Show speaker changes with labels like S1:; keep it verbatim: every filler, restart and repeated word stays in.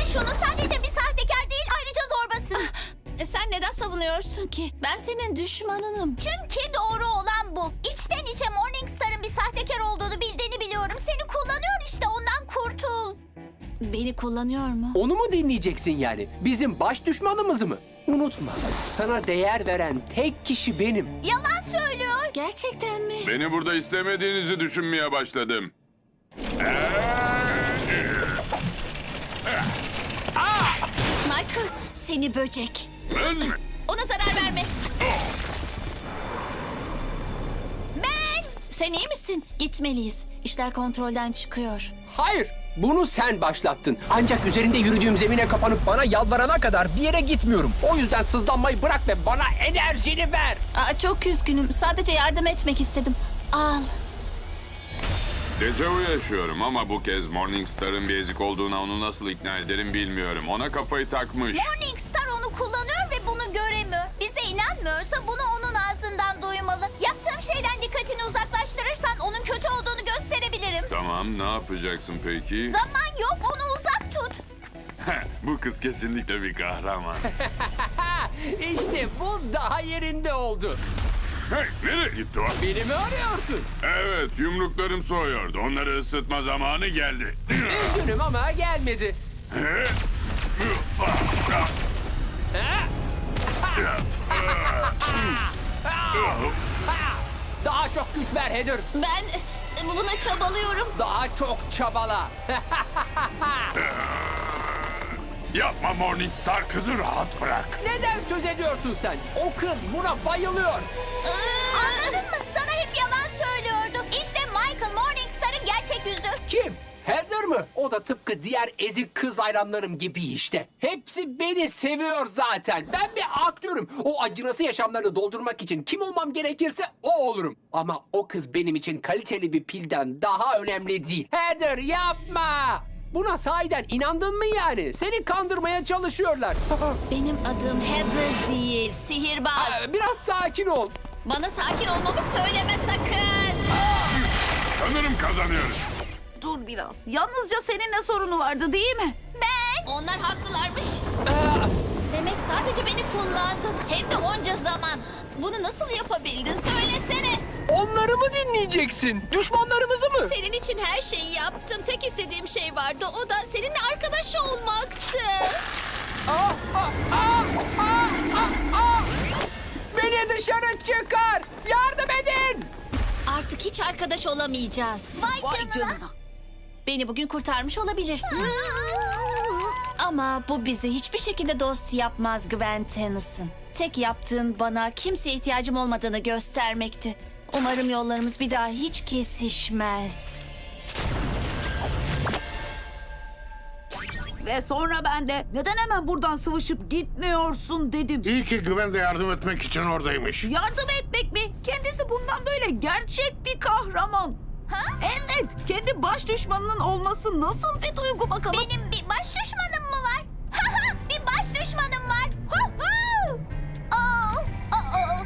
S1: şunu. Sadece bir sahtekar değil, ayrıca zorbasın.
S2: E, Sen neden savunuyorsun ki? Ben senin düşmanınım.
S1: Çünkü doğru olan bu. İçten içe Morningstar'ın bir sahtekar olduğunu bildiğini biliyorum. Seni kullanıyor işte, ondan kurtul.
S2: Beni kullanıyor mu?
S3: Onu mu dinleyeceksin yani? Bizim baş düşmanımızı mı? Unutma, sana değer veren tek kişi benim.
S1: Yalan söylüyor.
S2: Gerçekten mi?
S4: Beni burada istemediğinizi düşünmeye başladım.
S2: Michael, seni böcek.
S4: Ben mi?
S2: Ona zarar verme.
S1: Ben...
S2: Sen iyi misin? Gitmeliyiz. İşler kontrolden çıkıyor.
S3: Hayır, bunu sen başlattın. Ancak üzerinde yürüdüğüm zemine kapanıp bana yalvarana kadar bir yere gitmiyorum. O yüzden sızlanmayı bırak ve bana enerjini ver.
S2: Aa, çok üzgünüm. Sadece yardım etmek istedim. Al.
S4: Dejavu yaşıyorum ama bu kez Morningstar'ın bir ezik olduğuna onu nasıl ikna ederim bilmiyorum. Ona kafayı takmış.
S1: Morningstar onu kullanıyor ve bunu göremiyor. Bize inanmıyorsa bunu onun ağzından duymalı. Yaptığım şeyden dikkatini uzaklaştırırsan onun kötü olduğunu gösterebilirim.
S4: Tamam, ne yapacaksın peki?
S1: Zaman yok, onu uzak tut.
S4: Bu kız kesinlikle bir kahraman.
S3: İşte bu daha yerinde oldu.
S4: Hey, nereye gitti o?
S3: Beni mi arıyorsun?
S4: Evet, yumruklarım soğuyordu. Onları ısıtma zamanı geldi.
S3: Üzgünüm ama gelmedi. Daha çok güç ver Heather.
S2: Ben e, buna çabalıyorum.
S3: Daha çok çabala.
S4: Yapma Morningstar, kızı rahat bırak.
S3: Neden söz ediyorsun sen? O kız buna bayılıyor.
S1: Anladın mı? Sana hep yalan söylüyordu. İşte Michael Morningstar'ın gerçek yüzü.
S3: Kim? Heather mı? O da tıpkı diğer ezik kız hayranlarım gibi işte. Hepsi beni seviyor zaten. Ben bir aktörüm. O acınası yaşamlarını doldurmak için kim olmam gerekirse o olurum. Ama o kız benim için kaliteli bir pilden daha önemli değil. Heather yapma! Buna sahiden inandın mı yani? Seni kandırmaya çalışıyorlar.
S2: Benim adım Heather değil, sihirbaz.
S3: Biraz sakin ol.
S2: Bana sakin olmamı söyleme sakın.
S4: Sanırım kazanıyoruz.
S5: Dur biraz. Yalnızca seninle sorunu vardı değil mi?
S2: Ben. Onlar haklılarmış. Demek sadece beni kullandın. Hem de onca zaman. Bunu nasıl yapabildin söylesene.
S3: Onları mı dinleyeceksin? Düşmanlarımızı mı?
S2: Senin için her şeyi yaptım. Tek istediğim şey vardı. O da seninle arkadaş olmaktı.
S3: Ah, ah, ah, ah, ah, ah! Beni dışarı çıkar! Yardım edin!
S2: Artık hiç arkadaş olamayacağız.
S1: Vay,
S5: Vay
S1: canına.
S5: canına.
S2: Beni bugün kurtarmış olabilirsin. Ama bu bizi hiçbir şekilde dost yapmaz Gwen Tennyson. Tek yaptığın bana kimseye ihtiyacım olmadığını göstermekti. Umarım yollarımız bir daha hiç kesişmez.
S5: Ve sonra ben de neden hemen buradan sıvışıp gitmiyorsun dedim.
S6: İyi ki Güven de yardım etmek için oradaymış.
S5: Yardım etmek mi? Kendisi bundan böyle gerçek bir kahraman.
S1: Ha?
S5: Evet, kendi baş düşmanının olması nasıl bir duygu bakalım?
S1: Benim bir baş düşmanım mı var? Haha, bir baş düşmanım